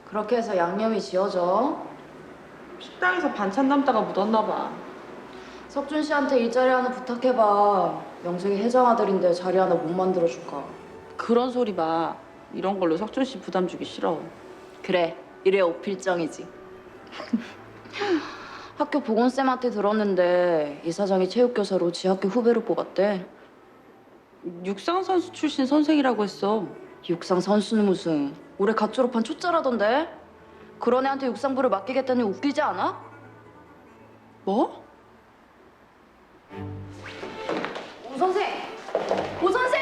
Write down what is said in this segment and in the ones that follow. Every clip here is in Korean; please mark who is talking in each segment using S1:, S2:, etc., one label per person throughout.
S1: 그렇게 해서 양념이 지어져.
S2: 식당에서 반찬 담다가 묻었나 봐.
S1: 석준 씨한테 일자리 하나 부탁해봐. 영숙이 회장 아들인데 자리 하나 못 만들어줄까.
S2: 그런 소리 마. 이런 걸로 석준 씨 부담 주기 싫어.
S1: 그래, 이래 오필정이지. 학교 보건쌤한테 들었는데 이사장이 체육교사로 지 학교 후배로 뽑았대.
S2: 육상 선수 출신 선생이라고 했어.
S1: 육상 선수는 무슨 올해 갓 졸업한 초짜라던데. 그런 애한테 육상부를 맡기겠다니 웃기지 않아?
S2: 뭐?
S1: 오 선생! 오 선생!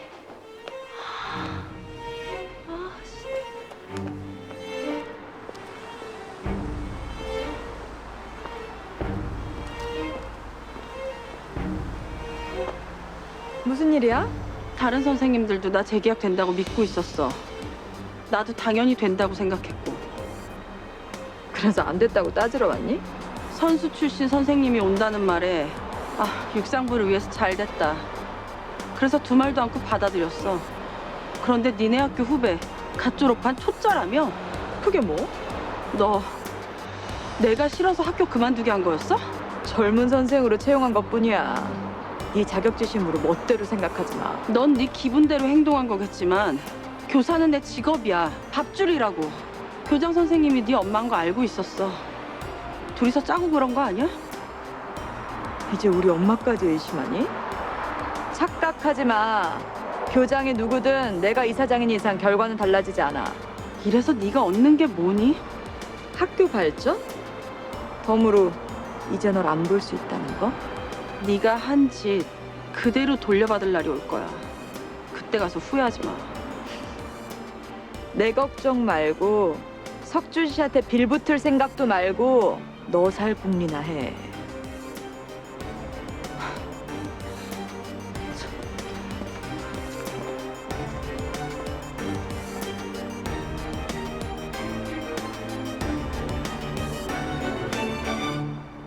S3: 무슨 일이야?
S2: 다른 선생님들도 나 재계약 된다고 믿고 있었어. 나도 당연히 된다고 생각했고.
S3: 그래서 안 됐다고 따지러 왔니?
S2: 선수 출신 선생님이 온다는 말에 육상부를 위해서 잘 됐다. 그래서 두 말도 않고 받아들였어. 그런데 니네 학교 후배 갓 졸업한 초짜라며?
S3: 그게 뭐?
S2: 너 내가 싫어서 학교 그만두게 한 거였어?
S3: 젊은 선생으로 채용한 것뿐이야. 네 자격지심으로 멋대로 생각하지 마.
S2: 넌 네 기분대로 행동한 거겠지만 교사는 내 직업이야. 밥줄이라고. 교장 선생님이 네 엄마인 거 알고 있었어. 둘이서 짜고 그런 거 아니야?
S3: 이제 우리 엄마까지 의심하니? 착각하지 마. 교장이 누구든 내가 이사장인 이상 결과는 달라지지 않아.
S2: 이래서 네가 얻는 게 뭐니?
S3: 학교 발전? 덤으로 이제 널 안 볼 수 있다는 거?
S2: 네가 한 짓 그대로 돌려받을 날이 올 거야. 그때 가서 후회하지 마.
S3: 내 걱정 말고 석준 씨한테 빌붙을 생각도 말고 너 살 궁리나 해.